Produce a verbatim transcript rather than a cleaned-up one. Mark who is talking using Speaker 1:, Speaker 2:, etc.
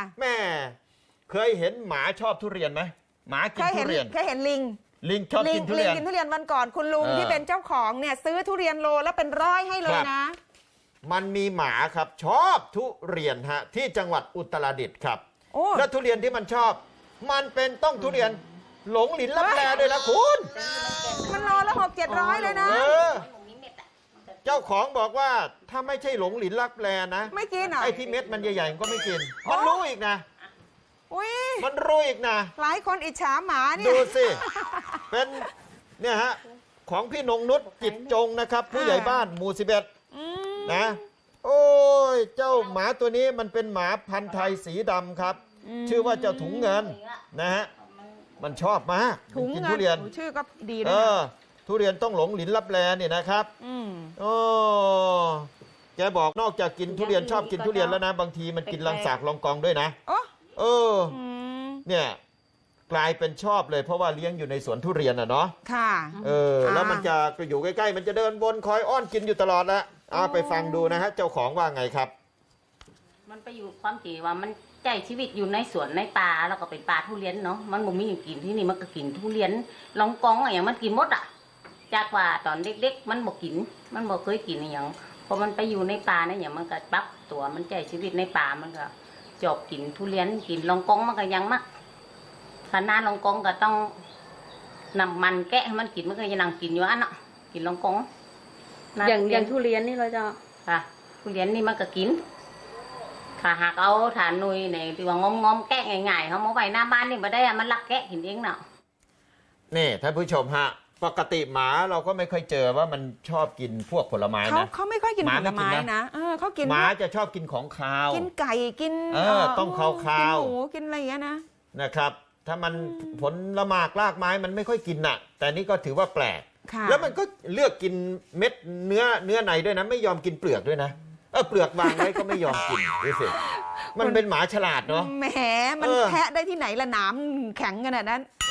Speaker 1: แม่เคยเห็นหมาชอบทุเรียนไหมหมากินทุเรียน
Speaker 2: เคยเห็นลิง
Speaker 1: ลิงชอบกินทุเรียน
Speaker 2: ลิงกินทุเรียนวันก่อนคุณลุงที่เป็นเจ้าของเนี่ยซื้อทุเรียนโลแล้วเป็นร้อยให้เลยนะ
Speaker 1: มันมีหมาครับชอบทุเรียนฮะที่จังหวัดอุตรดิตถ์ครับและทุเรียนที่มันชอบมันเป็นต้องทุเรียนหลงหลินลับแลด้วยนะคุณ
Speaker 2: มันโลละหกเจ็ดร้อยเลยนะ
Speaker 1: เจ้าของบอกว่าถ้าไม่ใช่หลงหลินลับแลนะ
Speaker 2: ไม่กินอ่ะ
Speaker 1: ไอ้ที่เม็ดมันใหญ่ๆก็ไม่กินมันรู้อีกนะ
Speaker 2: อุ้ย
Speaker 1: มันรู้อีกนะ
Speaker 2: หลายคนอิจฉาหมาเนี่ย
Speaker 1: ดูสิเป็นเนี่ยฮะของพี่นงนุชจิตจงนะครับผู้ใหญ่บ้านหมู่สิบเอ็ดนะโอ้ยเจ้าหมาตัวนี้มันเป็นหมาพันธุ์ไทยสีดำครับชื่อว่าเจ้าถุงเงินนะฮะมันชอบมากกินทุเรียน
Speaker 2: ชื่อก็ดีนะ
Speaker 1: เออทุเรียนต้องหลงหลินลับแลเนี่ยนะครับโอ้แกบอกนอกจากกินทุเรียนชอบกินทุเรียนแล้วนะบางทีมันกินลังสากลองกองด้วยนะเออเนี่ยกลายเป็นชอบเลยเพราะว่าเลี้ยงอยู่ในสวนทุเรียนอ่ะเนาะ
Speaker 2: ค่ะ
Speaker 1: เออแล้วมันจะอยู่ใกล้ๆมันจะเดินบนคอยอ้อนกินอยู่ตลอดแล้วเอาไปฟังดูนะฮะเจ้าของว่าไงครับ
Speaker 3: มันไปอยู่ความจริงว่ามันใจชีวิตอยู่ในสวนในป่าแล้วก็เป็นป่าทุเรียนเนาะมันบ่มีอยู่กินที่นี่มันก็กินทุเรียนลองกองอะไรอย่างมันกินหมดอ่ะจากว่าตอนเด็กๆมันบ่กินมันบ่เคยกินอย่างพอมันไปอยู่ในป่าเนี่ยอย่างมันก็ปรับตัวมันใจชีวิตในป่ามันก็จบกินทุเรียนกินลองกองมันก็ยังมักขนาดลองกองก็ต้องนำมันแกะให้มันกินมันก็ยังนั่งกินอยู่อันเนาะกินลองกอง
Speaker 4: อย่างอย่างทุเรียนนี่เราจะ
Speaker 3: ค่ะทุเรียนนี่มันก็กินถ้าหากเอาฐานนุยในที่ว่างอมๆแกะง่ายๆเขามาไว้หน้าบ้านนี่มาได้อะมันลักแกะกินเองเนาะ
Speaker 1: นี่ท่านผู้ชมฮะปกติหมาเราก็ไม่ค่อยเจอว่ามันชอบกินพวกผลไม้นะ
Speaker 2: เขาเขาไม่ค่อยกินผลไม้นะเออเขากิน
Speaker 1: หมาจะชอบกินของคาว
Speaker 2: กินไก่กิน
Speaker 1: เออต้องคาวคาว
Speaker 2: กินหมูกินอะไรอย่างเงี้ยนะ
Speaker 1: นะครับถ้ามันผลละหมากรากไม้มันไม่ค่อยกินน่ะแต่นี่ก็ถือว่าแปลกแล้วมันก็เลือกกินเม็ดเนื้อเนื้อในด้วยนะไม่ยอมกินเปลือกด้วยนะเออเปลือกวางไว้ก็ไม่ยอมกินดูสิมันเป็นหมาฉลาดเนาะ
Speaker 2: แหมมันแทะได้ที่ไหนละหนามแข็งขนาดนั้น